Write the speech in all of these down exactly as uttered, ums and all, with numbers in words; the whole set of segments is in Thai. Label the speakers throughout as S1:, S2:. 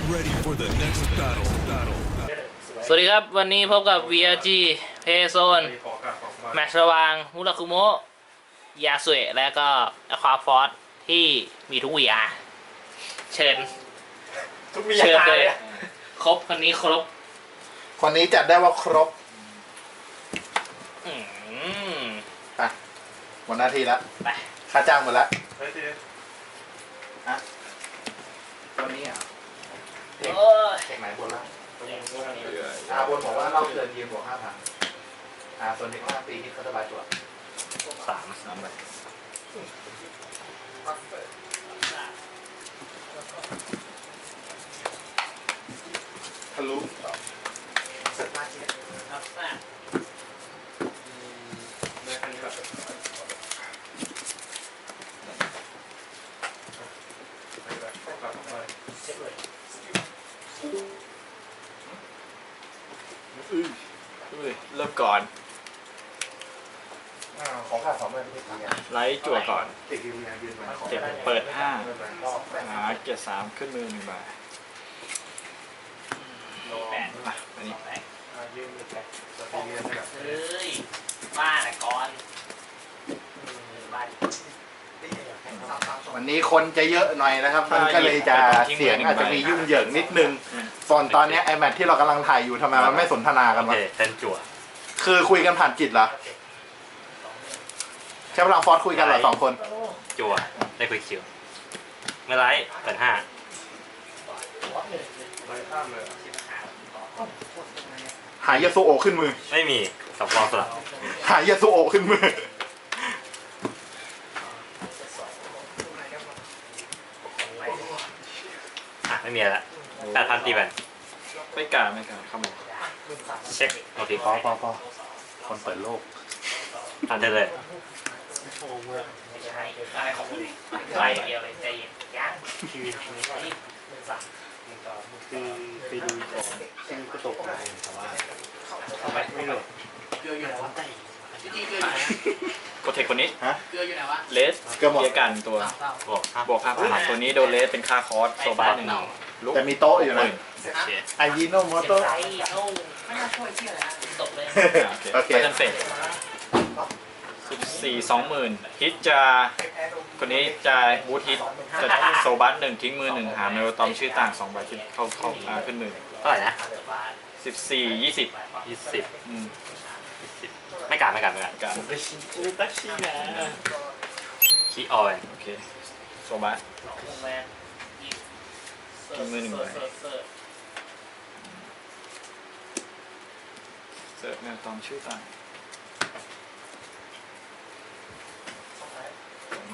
S1: ready for the next battle. Battle.
S2: สวัสดีครับวันนี้พบกับ วี อาร์ จี Payzone แมตช์ระหว่างมุราคุโมะยาสุเอะและก็อควาฟอร์สที่มีทุก วี อาร์ เชิญ
S3: ทุกมี
S2: เชิญ
S3: อา
S2: เล
S3: เลย ย
S2: ครบคนนี้ครบ
S3: คนนี้จัดได้ว่าครบ
S2: อืม
S3: อ่ะหมดหน้าที่แล้ว
S2: ไป
S3: ค่าจ้างหมดแล้ว
S4: เฮ้ยที
S3: อ่ะตัวนี้อ่ะ
S2: โอ้ย
S3: เทคไหนบนล่างอ่าบนบอกว่าเราเกินยืมบวกห้าพันอ่าส่วนที่ห้าปีที่เขาจะบายตัว
S2: สามสามใบ
S3: ทะลุเสร็จมากที่
S2: ครับแซ่
S5: เริ่มก่อน
S3: อ่าของค่าสองใบที่ทำงาน
S5: ไลท์จั่วก่อน
S3: ติดยืมงานยืมมา
S5: เก็บเปิดห้า
S3: ก็แบ่ง
S5: หาเกียร์สามขึ้นมือหนึ่งใบ
S2: แปด
S5: อ่ะอันนี้
S3: อ่ายืมไปตัวที่เรียนนะครับ
S2: เฮ้ยบ้าแต่ก่อนบ้า
S3: วันนี้คนจะเยอะหน่อยนะครับ มันก็เลยจะเสียงอาจจะมียุ่งเหยิงนิดนึงส่วนตอนนี้ไอแมทที่เรากำลังถ่ายอยู่ทำไมมันไม่สนทนากัน
S4: โอ
S3: วะ
S4: เคเซนจั่ว
S3: คือคุยกันผ่านจิตเหรอใช้พลังฟอสคุยกันเหรอสองคน
S4: จั่วได้คุยคิวเมื่อไรเปิดห้า
S3: หายาสุโอะขึ้นมือ
S4: ไม่มีสับวอลสลับ
S3: หายาสุโอะขึ้นมือ
S4: อ่ะไม่มีอะไรละแปดพันตีแบน
S5: ไม่กล้าไม่กล้าครับผม
S4: เช็คโอเค
S3: พอพอพอคนเปิดโลก
S4: ทันเธอเลย
S2: ไม่ใช่อะไรของมึงไปเดียวเลยใจเย็นยังชีวิตนี้นี่เป็นสัตว์
S6: คือไปดูของซึ่งก็ตกใจแต่ว่าทำไมไม่โหลด
S2: เกลืออยู่ไหนวะจริงๆเกลืออยู่ไหน
S5: กดเทคคนนี้
S2: เกลืออยู่ไหนวะ
S5: เลสเกียร์กันตัว
S4: บวกห้า
S5: บวกห้าพันตัวนี้โดนเลสเป็นค่าคอร์สโซบาหนึ่งลุก
S3: แต่มีโต๊ะอยู่
S5: ห
S3: นะ
S5: มื่น
S4: โอเค
S3: ไอยีโนโม
S2: เจ็บ
S3: โต้
S2: ใจโอ้ไม่น่าช่วยเที่ยอะไรนะตกเลย
S5: โอเคไปกันเฟสสิบสี่สองหมื่นฮิตจะคนนี้จะบูทฮิตจะโซบัสหนึ่งทิ้งมือหนึ่งหาเมลตอมชื่อต่างสองใบขึ้นเข้าเข้าอ่าขึ้นมือ
S4: เท่าไหร่นะ
S5: สิบสี่ยี่สิบ
S4: ยี่สิบ
S5: อืม
S4: สิบไม่กัดไม่กัดไม่กัด
S5: การ
S6: ตักชีนะ
S4: คีออย
S5: โอเคโซบัส ทิ้งมือหนึ่งใบ เสิร์ฟเมลตอมชื่อต่างสองใบ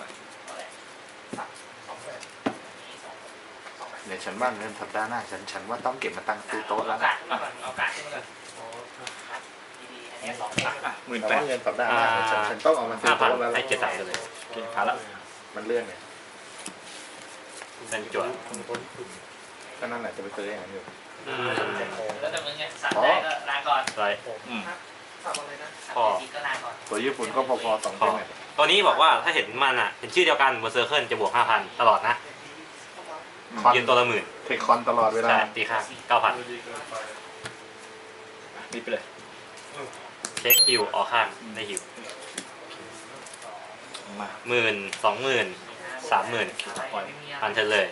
S3: เดี๋ยวฉันว่าเงินสัปดาห์หน้าฉันฉันว่าต้องเก็บมาตั้งซื้อโต๊ะแล้ว
S2: กาศก่อนเอากาศขึ้นมาก่อนดีๆอันนี้สอง
S5: อ่ะอ่ะหมื่น
S3: แต่
S5: แปด
S3: ว่าเงินสัปดาห์หน้าฉันฉันต้องเอามาซื้
S4: ห้า
S3: อ
S4: พัน
S3: โต๊ะแล้ว
S4: ให้เกียร์สามเลย
S5: โอเคผ่านละ
S3: มันเลื่อนไง
S4: เซนจั่ว
S3: ก็นั่นแหละจะไปซื้ออย่างนั้นอยู่
S4: อืม
S2: แล้วแต่มึงไงสั่งได้ก็ลาก่อน
S4: ไร
S5: อืม
S4: พอ
S2: ก็ลาก่อน
S3: ตัวญี่ปุ่นก็พอๆสอง
S4: พ
S3: ค
S4: อน
S3: เนี่ย
S4: ตัวนี้บอกว่าถ้าเห็นมันอ่ะเห็นชื่อเดียวกันบนเซอร์เคิลจะบวกห้าพันตลอดนะ
S3: คอน
S4: ยืนตัวละหมื่น
S3: เทคคอนตลอดเวลา
S4: ใช่ตีค่าเก้าพัน
S5: รีบไปเลย
S4: เช็คฮิวออกข้างได้ฮิว
S5: มา
S4: หมื่นสองหมื่นสามหมื่นพันเธอเลย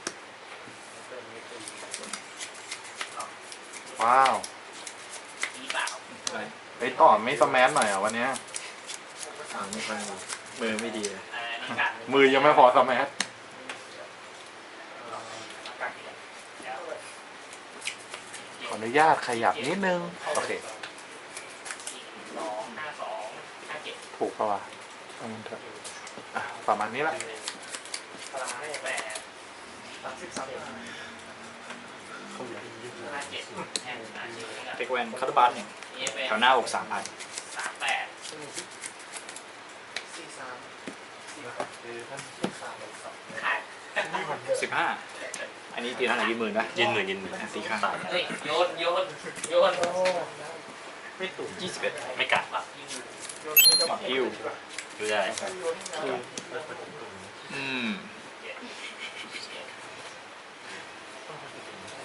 S3: ว้าว
S2: ดีเปล่า
S5: ไป
S3: ไอ้ต่อไม่สแมนหน่อยเหรอวันเนี้ย
S5: อ่าไม่ค่อยดีมือไม่ดีเลย
S2: อันนี้กาศ
S3: มือยังไม่พอสแมนขออนุญาตขยับนิดนึงโอเค
S2: สองห้าสองห้าเจ็ด
S3: ถูกปะวะเอามันเถอะอ่ะประมาณนี้ละ
S2: พลังให้แปดสามสิบสามห้าเจ็ดแห่งอาชีพ
S5: เทคแวนคาร์ดบัสเนี่ยแถวหน้าอกสามพัน
S2: สามแปด ขาด
S5: สิบห้าอันนี้ตีเท่าไหร่ยี่หมื่นนะ
S4: ยืนหมื่นยืนหมื่น
S5: ตีข้าง
S2: เฮ้ยโยนโยนโยน
S5: ยี่สิบเอ็ด
S4: ไม่กัด
S2: แบบยิง
S5: หมักฮิว
S4: ดูได้
S5: อืม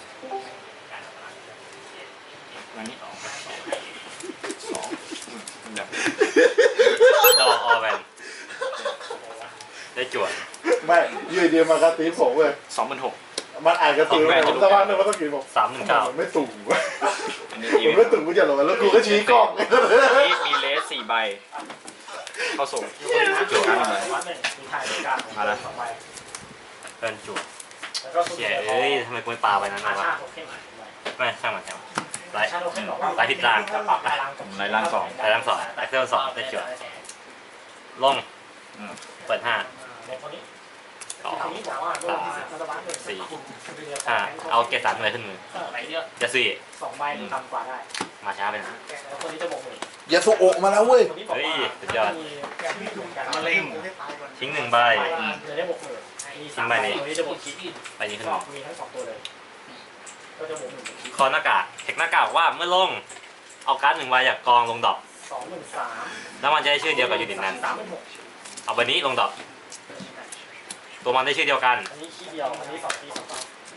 S3: ไม่ยืนเดียวมากระตีนผมเว้ย
S5: สองหมื่นหก
S3: มันอ่านกระตือเลยผมสักพักหนึงมันต้องกินผม
S4: สามหนึ่งเก้า
S3: มันไม่ตุ่ม
S5: อันนี้
S3: ผมไม่ตุ่มกูจะหลงแล้วกูก็ชี้กล้อง
S5: นี่มีเลสสี่ใบ เข้าส่งจุดการอะไรมาแล้ว
S4: เกินจุดเย้เอ้ยทำไมกูไม่ปาไปนั้นวะไม่ช่างมันช่างมันไล่ไล่ผิดทาง
S5: ผมไล่ล่างสอง
S4: ไล่ทั้งสองไล่เส้นสองได้จุดลง
S5: อืม
S4: เปิดห้าสองสามสี่ห้าเอาเกรดสามเลยขึ้นมือจะสี่
S2: สองใบหรือต่ำกว่าได้
S4: มาช้าไปนะ
S2: แล้วคนนี้จะบวกหมื่น
S3: ยาสุโอะมาแล้วเว้ย
S4: เฮ้ยสุดยอด
S2: มะเร็ง
S4: ทิ้งหนึ่งใบ
S2: จะได้บวกหมื่นมี
S4: ทิ้งใบนี้
S2: ตัวนี้จะบวกคิดอีก
S4: ใบนี้ขึ้น
S2: ก็
S4: มา
S2: มีทั้งสองตัวเลย ก็จะบวกหมื่น
S4: คอหน้ากากเทคหน้ากากว่าเมื่อลงเอาการ์ดหนึ่งใบจากกองลงดอก
S2: สองหมื่นสาม
S4: แล้วมันจะได้ชื่อเดียวกับยูนิตนั้น
S2: สามหมื่นหก
S4: เอาใบนี้ลงดอกตัวมันได้ชื่อเดียวกัน
S2: อันนี้ขี้เดียว อันนี้สองขี้สองตัว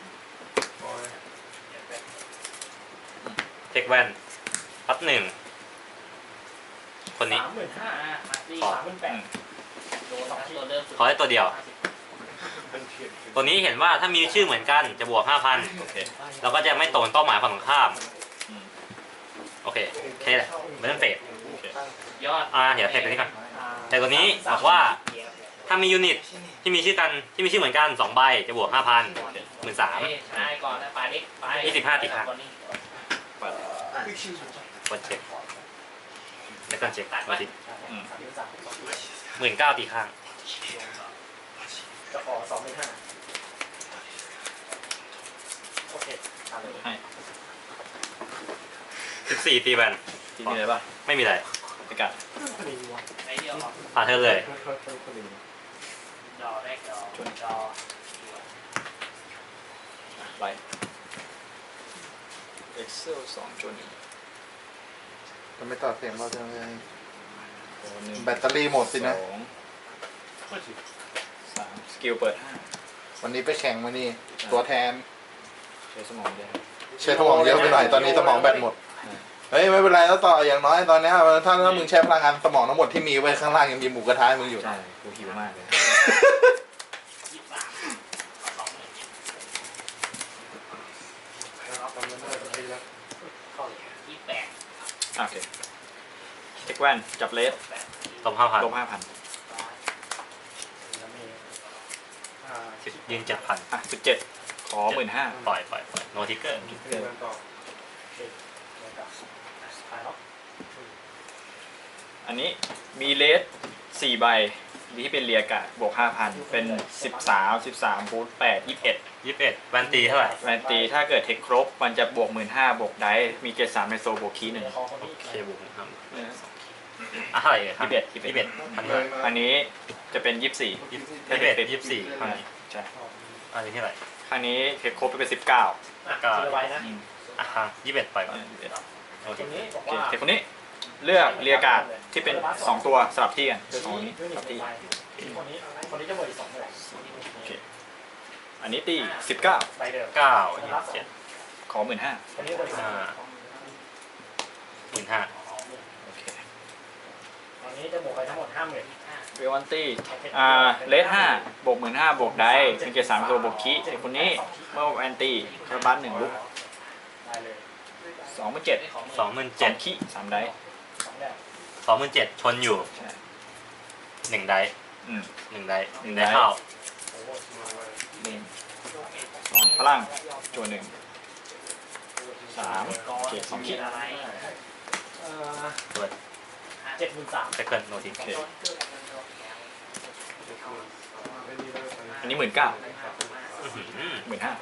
S4: เทคแวนพัดหนึ่งคนนี้
S2: สามหมื่นห้าสามหมื่นแปดโดนสองตัวเริ่ม
S4: ขอได้ตัวเดียว ตัวนี้เห็นว่าถ้ามีชื่อเหมือนกันจะบวก ห้าพัน
S5: โอเค
S4: แล้วก็จะไม่ตรงเป้าหมายฝั่งตรงข้าม โอเคแค่นี้แหละไม่ต้องเฟด
S2: ยอด
S4: อ่าเดี๋ยวเทคตัวนี้ก่อนแต่ตัวนี้บอกว่าถ้ามียูนิตที่มีชื่อกันที่มีชื่อเหมือนกันสองใบจะบวก ห้าพัน หมื่นสาม
S2: ใช่ก่อนนะปลาเด็กปลา
S4: ยี่สิบห้าติดครับ
S5: เปิด
S4: กดเช็คแล้วก็เช็คมาสิ
S5: อืม
S4: หมื่นเก้าตีข้าง
S2: จะขอสองหมื่นห้าโอเคตามเลย
S5: ให้
S4: สิบสี่ตีแบน
S5: ที่นี่เลยป่ะ
S4: ไม่มีอะไร
S5: ไปกัด
S2: ไอเดียว
S4: ผ่านเธอเลย
S2: ดอแรกดอดอ
S5: ไล่ Excel สองจุดหนึ่ง
S3: จะไม่ต่อเสียงเราจะไง
S5: โอ้หนึ่ง
S3: แบตเตอรี่หมดสินะ
S5: สองสามสกิลเปิดห้า
S3: วันนี้ไปแข่งมานี่ ตัวแทน
S5: ใช้สมองเยอะ
S3: ใช้สมองเยอะไปหน่อยตอนนี้สมองแบตหมด เฮ้ยไม่เป็นไรแล้วต่ออย่างน้อยตอนเนี้ยถ้าถ้ามึงใช้พลังงานสมองทั้งหมดที่มีไว้ข้างล่างยังมีหมูกระทะให้มึงอยู่
S5: ใช่กูหิวมากเลย
S2: ยี่สิบสามสองหมื่นยี่สิบแปด
S5: อ่ะโอเคเทคแวนจับเลส
S4: ตบห้าพัน
S5: ลบห้าพัน
S4: ยืนเจ็ดพัน
S5: อ่ะสิบเจ็ดขอหมื่นห้า
S4: ปล่อยปล่อยปล่อยโนทิกเกอร์
S5: อันนี้มีเลสสี่ใบที่เป็นเรียกะบวกห้าพันเป็นสิบสามสิบสามบูทแปดยี่สิบเอ็ด
S4: ยี่สิบเอ็ดแวนตีเท่าไหร่
S5: แวนตีถ้าเกิดเทคครบมันจะบวกหมื่นห้าบวกได้มีเกรดสามในโซบวกคีย์หนึ่ง
S4: เคบุกครับอ่ะเท่าไหร่ครับ
S5: ยี่สิบเอ็ด
S4: ยี่สิบเอ็ดพันเลย
S5: อันนี้จะเป็นยี่สิบสี่
S4: ยี่สิบเอ็ดยี่สิบสี่ข้างนี้
S5: ใช่
S4: อันนี้เท่าไหร่
S5: ครั้งนี้เทคครบไปเป็นสิบเก้า
S2: ก็ไว้นะ
S4: อ่ะฮะยี่สิบเอ็ดปล่อยก่อนโอเค
S2: ตรงนี้บอก
S5: โอเค
S2: ว่า
S5: เทคคนนี้เลือกเรียกาดที่เป็นสองตัวสลับที่กันเลือกสองนี้สลับที่
S2: คนนี้คนนี้จะบวกอีกสองเท่าไหร่
S5: โอเคอันนี้ตีสิบเก้า
S2: ใบเดิม
S4: เก้ายี่สิบเจ็ด
S5: ขอหมื่นห้า
S2: คนนี้บวกอีกสอง
S4: ห้าหมื่นห้า
S5: โอเค
S2: ตอนนี้จะบวกไปทั้งหมดห้าหมื่น
S5: เววันตี้อ่าเลสห้าบวกหมื่นห้าบวกได้เป็นเกรดสามตัวบวกคีเทคคนนี้เมื่อแอนตี้คาร์บันหนึ่งลุก
S2: ได้เลย
S5: สองหมื่นเจ็ด
S4: สองหมื่น
S5: เจ็
S4: เจ็
S5: ด
S4: ด
S5: ขี้สามได้
S2: สองแบบ
S4: สองหมื่นเจ็ดชนอยู่
S5: ใช่
S4: หนึ่งได
S5: อืม
S4: หนึ่งไดหนึ่งไดเข้า
S5: หนึ่งสองพลังจวนหนึ่งสามเกรดสองขี้
S2: อะไรเอ่อ
S4: เปิด
S2: เจ็ดหมื่นสาม
S4: เซคันด์โนทิก
S5: โอเคอันนี้หมื่นเก้าหมื่นห้า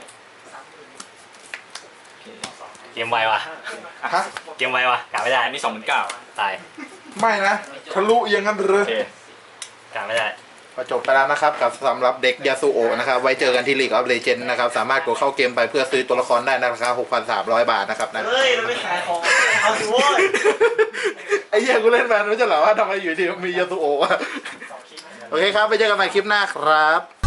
S5: โอเค
S4: เกมไววะ
S3: ฮะ
S4: เกมไววะกะไม่ได้
S5: อันนี้สองหมื่นเก้า
S4: ตาย
S3: ไม่นะทะลุอย่างนั้นเล
S5: โอย เค
S4: กะไม่ได้
S3: ก็จบไปแล้วนะครับกับสำหรับเด็กยาสุโอะนะครับไว้เจอกันที่ League of Legends นะครับสามารถกดเข้าเกมไปเพื่อซื้อตัวละครได้ในราคา หกพันสามร้อย บาทนะครับนะ
S2: เฮ้ยมันไม่ขายของเอาสิโว้ย
S3: ไอ้เหี้ยกูเล่นแมนไม่ใช่เหรอว่าทำไมอยู่ดีมียาสุโอะวะโอเคครับไปเจอกันใหม่คลิปหน้าครับ